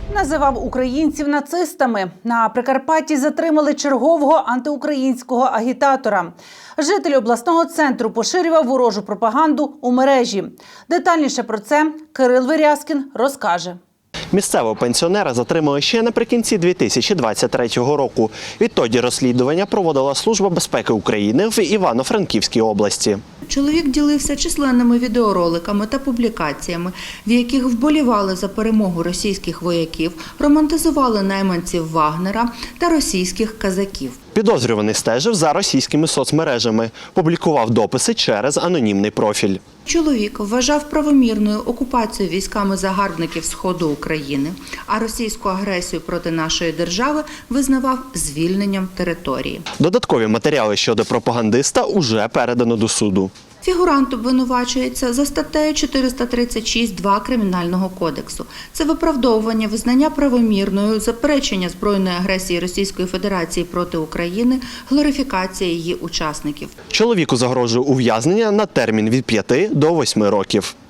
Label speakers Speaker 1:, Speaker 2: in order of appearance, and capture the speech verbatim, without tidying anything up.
Speaker 1: Називав українців нацистами. На Прикарпатті затримали чергового антиукраїнського агітатора. Житель обласного центру поширював ворожу пропаганду у мережі. Детальніше про це Кирил Вирязкін розкаже.
Speaker 2: Місцевого пенсіонера затримали ще наприкінці дві тисячі двадцять третього року. Відтоді розслідування проводила Служба безпеки України в Івано-Франківській області.
Speaker 3: Чоловік ділився численними відеороликами та публікаціями, в яких вболівали за перемогу російських вояків, романтизували найманців Вагнера та російських казаків.
Speaker 2: Підозрюваний стежив за російськими соцмережами, публікував дописи через анонімний профіль.
Speaker 3: Чоловік вважав правомірною окупацію військами загарбників Сходу України, а російську агресію проти нашої держави визнавав звільненням території.
Speaker 2: Додаткові матеріали щодо пропагандиста уже передано до суду.
Speaker 3: Фігурант обвинувачується за статтею чотириста тридцять шість два Кримінального кодексу. Це виправдовування визнання правомірною, заперечення збройної агресії Російської Федерації проти України, глорифікація її учасників.
Speaker 2: Чоловіку загрожує ув'язнення на термін від п'яти до восьми років.